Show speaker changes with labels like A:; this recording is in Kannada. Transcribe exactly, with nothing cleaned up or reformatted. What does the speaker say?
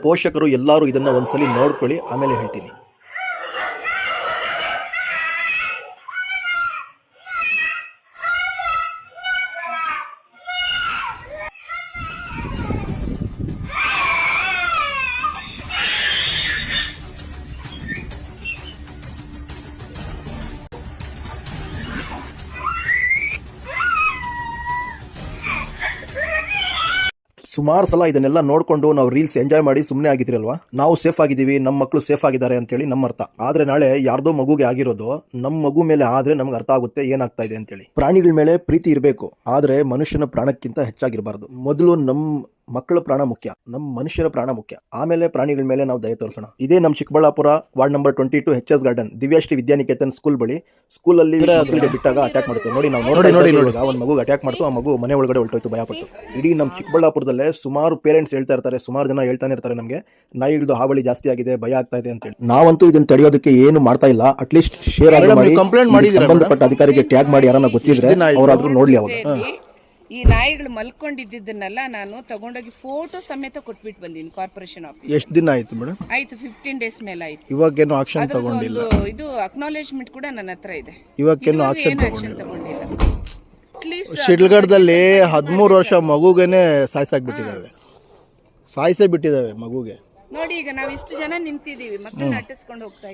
A: ಪೋಷಕರು ಎಲ್ಲರೂ ಇದನ್ನ ಒಂದ್ಸಲಿ ನೋಡ್ಕೊಳ್ಳಿ, ಆಮೇಲೆ ಹೇಳ್ತೀನಿ. ಸುಮಾರು ಸಲ ಇದನ್ನೆಲ್ಲ ನೋಡಿಕೊಂಡು ನಾವು ರೀಲ್ಸ್ ಎಂಜಾಯ್ ಮಾಡಿ ಸುಮ್ಮನೆ ಆಗಿದ್ದೀರಲ್ವಾ. ನಾವು ಸೇಫ್ ಆಗಿದ್ದೀವಿ, ನಮ್ಮ ಮಕ್ಕಳು ಸೇಫ್ ಆಗಿದ್ದಾರೆ ಅಂತೇಳಿ ನಮ್ಮ ಅರ್ಥ. ಆದರೆ ನಾಳೆ ಯಾರ್ದೋ ಮಗುಗೆ ಆಗಿರೋದು ನಮ್ಮ ಮಗು ಮೇಲೆ ಆದರೆ ನಮ್ಗೆ ಅರ್ಥ ಆಗುತ್ತೆ ಏನಾಗ್ತಾ ಇದೆ ಅಂತೇಳಿ. ಪ್ರಾಣಿಗಳ ಮೇಲೆ ಪ್ರೀತಿ ಇರಬೇಕು, ಆದರೆ ಮನುಷ್ಯನ ಪ್ರಾಣಕ್ಕಿಂತ ಹೆಚ್ಚಾಗಿರಬಾರ್ದು. ಮೊದಲು ನಮ್ಮ ಮಕ್ಕಳ ಪ್ರಾಣ ಮುಖ್ಯ, ನಮ್ಮ ಮನುಷ್ಯರ ಪ್ರಾಣ ಮುಖ್ಯ, ಆಮೇಲೆ ಪ್ರಾಣಿಗಳ ಮೇಲೆ ನಾವು ದಯ ತೋರಿಸೋಣ. ಇದೇ ನಮ್ಮ Chikkaballapur ward number twenty two H S garden Divyashree Vidyaniketan school ಬಳಿ. ಸ್ಕೂಲಲ್ಲಿ ಬಿಟ್ಟಾಗ ಅಟ್ಯಾಕ್ ಮಾಡ್ತು ನೋಡಿ. ನಾವು ನೋಡಿ ನೋಡಿ ನೋಡಿ ಒಂದು ಮಗು ಅಟ್ಯಾಕ್ ಮಾಡ್ತು, ಆ ಮಗು ಮನೆ ಒಳಗಡೆ ಹೊರಟೋಯ್ತು ಭಯಪಟ್ಟು. ಇಡೀ ನಮ್ಮ ಚಿಕ್ಕಬಳ್ಳಾಪುರದಲ್ಲೇ ಸುಮಾರು ಪೇರೆಂಟ್ಸ್ ಹೇಳ್ತಾ ಇರ್ತಾರೆ, ಸುಮಾರು ಜನ ಹೇಳ್ತಾನೆ ಇರ್ತಾರೆ ನಮಗೆ ನಾಯಿಗಳದ್ದು ಹಾವಳಿ ಜಾಸ್ತಿ ಆಗಿದೆ, ಭಯ ಆಗ್ತಾ ಇದೆ ಅಂತೇಳಿ. ನಾವಂತೂ ಇದನ್ನ ತಡೆಯೋದಕ್ಕೆ ಏನು ಮಾಡ್ತಾ ಇಲ್ಲ. ಅಟ್ಲೀಸ್ಟ್ ಶೇರ್ ಆಗಿ ಮಾಡಿ, ಸಂಬಂಧಪಟ್ಟ ಅಧಿಕಾರಿಗೆ ಟ್ಯಾಗ್ ಮಾಡಿ, ಯಾರನ್ನ ಗೊತ್ತಿದ್ರೆ ಅವರಾದ್ರೂ ನೋಡ್ಲಿ. ಅವಾಗ
B: ಈ ನಾಯಿಗಳು ಮಲ್ಕೊಂಡಿದ್ದನ್ನೆಲ್ಲ ನಾನು ತಗೊಂಡೋಗಿ ಫೋಟೋ ಸಮೇತ ಕೊಟ್ಬಿಟ್ಟು ಬಂದೀನಿ ಕಾರ್ಪೊರೇಷನ್ ಆಫೀಸ್.
A: ಎಷ್ಟು ದಿನ ಆಯ್ತು ಮೇಡಮ್?
B: ಆಯ್ತು, ಫಿಫ್ಟೀನ್ ಡೇಸ್ ಮೇಲೆ ಆಯ್ತು.
A: ಇವಾಗೇನು ಆಕ್ಷನ್ ತಗೊಂಡಿಲ್ಲ.
B: ಇದು ಅಕ್ನಾಲೇಜ್ಮೆಂಟ್ ಕೂಡ ನನ್ನ ಹತ್ರ ಇದೆ.
A: ಇವಾಗೇನು ಆಕ್ಷನ್
B: ತಗೊಂಡಿಲ್ಲ.
A: ಶಿಡ್ಲಘಟ್ಟದಲ್ಲಿ ಹದಿಮೂರು ವರ್ಷ ಮಗುಗೇನೆ ಸಾಯಿಸಾಕ್ಬಿಟ್ಟಿದ್ದಾವೆ, ಸಾಯಿಸೇ ಬಿಟ್ಟಿದ್ದಾವೆ ಮಗುಗೆ.
B: ನೋಡಿ, ಈಗ ನಾವು ಇಷ್ಟು ಜನ ನಿಂತಿದ್ದೀವಿ, ಮಕ್ಕಳನ್ನ ಅಟ್ಟಿಸ್ಕೊಂಡು ಹೋಗ್ತಾ